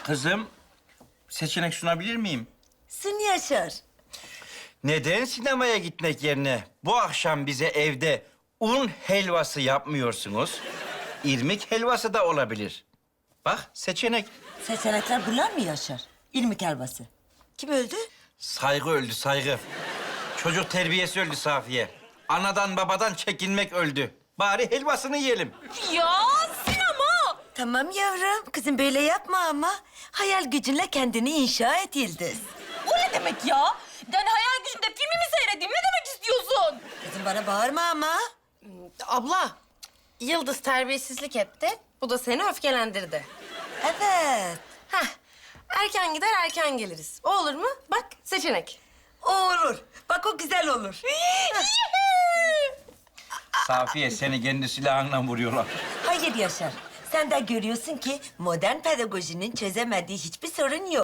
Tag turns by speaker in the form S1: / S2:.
S1: Kızım, seçenek sunabilir miyim?
S2: Sun Yaşar.
S1: Neden sinemaya gitmek yerine bu akşam bize evde un helvası yapmıyorsunuz? İrmik helvası da olabilir. Bak, seçenek.
S2: Seçenekler bunlar mı Yaşar? İlmik helvası. Kim öldü?
S1: Saygı öldü, saygı. Çocuk terbiyesi öldü Safiye. Anadan babadan çekinmek öldü. Bari helvasını yiyelim.
S3: Ya sinema!
S2: Tamam yavrum. Kızım böyle yapma ama. Hayal gücünle kendini inşa et Yıldız.
S3: O ne demek ya? Yani hayal gücümde filmi mi seyredeyim? Ne demek istiyorsun?
S2: Kızım bana bağırma ama.
S4: Abla, Yıldız terbiyesizlik etti. Bu da seni öfkelendirdi.
S2: Evet.
S4: Heh, erken gider erken geliriz. O olur mu? Bak seçenek.
S2: O olur. Bak o güzel olur.
S1: Safiye, seni kendi silahınla vuruyorlar.
S2: Hayır Yaşar. Sen de görüyorsun ki modern pedagojinin çözemediği hiçbir sorun yok.